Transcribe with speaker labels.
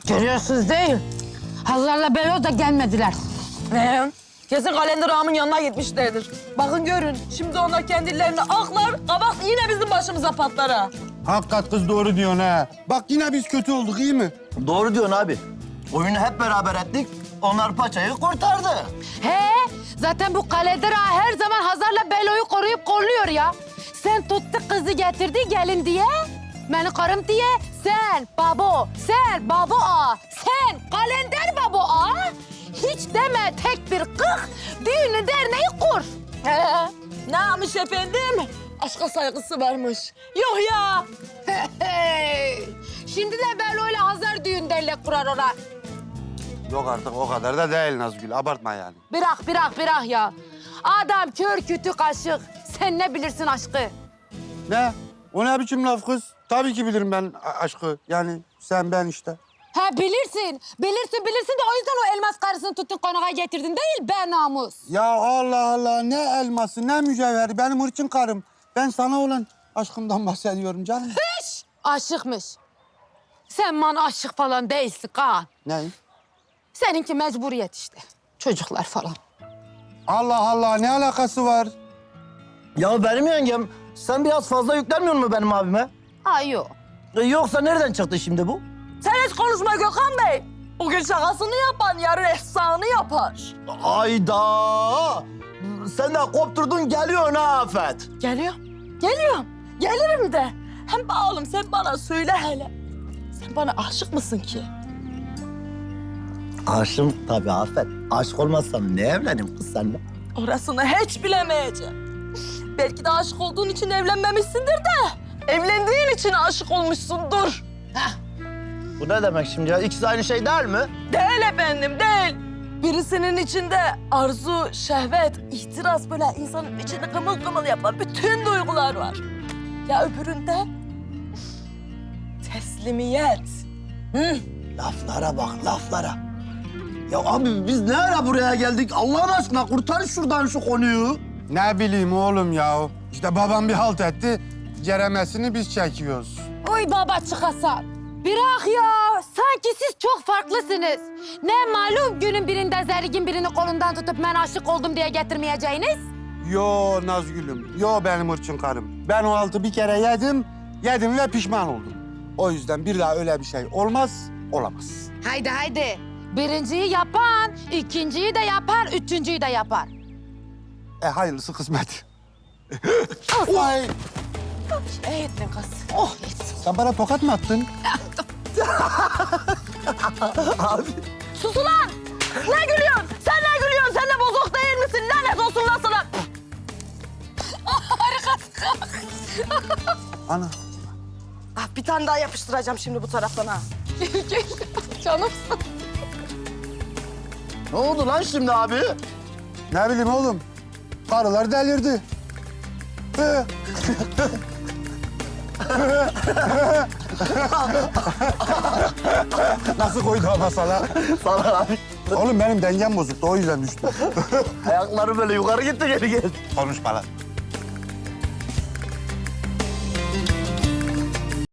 Speaker 1: Görüyorsunuz değil. Hazar'la Belo da gelmediler.
Speaker 2: Kesin kalender ağamın yanına gitmişlerdir. Bakın görün, şimdi onlar kendilerini aklar, kabak yine bizim başımıza patlar ha.
Speaker 3: Hakikat kız doğru diyorsun ha. Bak yine biz kötü olduk iyi mi?
Speaker 4: Doğru diyorsun abi. Oyunu hep beraber ettik. Onlar paçayı kurtardı.
Speaker 1: He, zaten bu kalender ağa her zaman Hazar'la Belo'yu koruyup kolluyor ya. Sen tuttu kızı getirdi gelin diye. Beni karım diye sen babo ağa, sen kalender babo ağa. Hiç deme tek bir kık, düğünü derneği kur.
Speaker 2: He, ne yapmış efendim? Aşka saygısı varmış. Yok ya.
Speaker 1: Şimdi de Belo'yla Hazar düğün dernek kurar ona.
Speaker 3: Yok artık o kadar da değil Nazgül. Abartma yani.
Speaker 1: Bırak ya. Adam kör kütük aşık. Sen ne bilirsin aşkı?
Speaker 3: Ne? O ne biçim laf kız? Tabii ki bilirim ben aşkı. Yani sen ben işte.
Speaker 1: Ha bilirsin de o yüzden o elmas karısını tuttun konağa getirdin değil be namus.
Speaker 3: Ya Allah Allah ne elması ne mücevheri benim hırçın karım. Ben sana olan aşkımdan bahsediyorum canım.
Speaker 1: Hiç aşıkmış. Sen bana aşık falan değilsin Kaan.
Speaker 3: Ne?
Speaker 1: Seninki mecburiyet işte. Çocuklar falan.
Speaker 3: Allah Allah ne alakası var?
Speaker 4: Ya benim yengem, sen biraz fazla yüklenmiyor musun benim abime?
Speaker 1: Ha yok.
Speaker 4: Yoksa nereden çıktı şimdi bu?
Speaker 2: Sen hiç konuşma Gökhan Bey. Bugün şakasını yapan yarın efsanı yapar.
Speaker 4: Ayda! Sen de kopturdun geliyorsun ha Afet.
Speaker 2: Geliyorum. Gelirim de. Hem oğlum sen bana söyle hele. Sen bana aşık mısın ki?
Speaker 4: Aşığım tabii Afet. Aşık olmazsam ne evleneyim kız seninle?
Speaker 2: Orasını hiç bilemeyeceğim. Belki de aşık olduğun için evlenmemişsindir de. Evlendiğin için aşık olmuşsundur.
Speaker 4: Bu ne demek şimdi ya? İkisi aynı şey değil mi?
Speaker 2: Değil efendim, değil. Birisinin içinde arzu, şehvet, ihtiras böyle insanın içini kımıl kımıl yapan bütün duygular var. Ya öbüründe teslimiyet.
Speaker 4: Laflara bak, laflara. Ya abi biz ne ara buraya geldik? Allah'ın aşkına kurtar şuradan şu konuyu.
Speaker 3: Ne bileyim oğlum ya. İşte babam bir halt etti. Ceremesini biz çekiyoruz.
Speaker 1: Oy baba çıkasan. Bırak ya. Sanki siz çok farklısınız. Ne malum günün birinde Zerigin birini kolundan tutup ben aşık oldum diye getirmeyeceğiniz?
Speaker 3: Yo Nazgül'üm, yo benim hırçın karım. Ben o altı bir kere yedim ve pişman oldum. O yüzden bir daha öyle bir şey olmaz, olamaz.
Speaker 1: Haydi. Birinciyi yapan, ikinciyi de yapar, üçüncüyü de yapar.
Speaker 3: Hayırlısı kısmet.
Speaker 1: Olsun.
Speaker 3: Ay,
Speaker 2: İyi ettin kız.
Speaker 1: Oh,
Speaker 3: sen bana tokat mı attın?
Speaker 4: Abi
Speaker 2: Sus ulan! Ne gülüyorsun? Sen ne gülüyorsun? Sen de bozuk değil misin? Lanet olsun lan sana!
Speaker 3: Ana.
Speaker 2: Ah, bir tane daha yapıştıracağım şimdi bu taraftan ha.
Speaker 1: Gel, canımsın.
Speaker 4: ne oldu lan şimdi abi?
Speaker 3: Ne bileyim oğlum. Karılar delirdi. Nasıl koydu ama sana?
Speaker 4: Sana abi.
Speaker 3: Oğlum benim dengem bozuktu o yüzden düştüm.
Speaker 4: Ayakları böyle yukarı gitti geri geldi.
Speaker 3: Konuşma lan.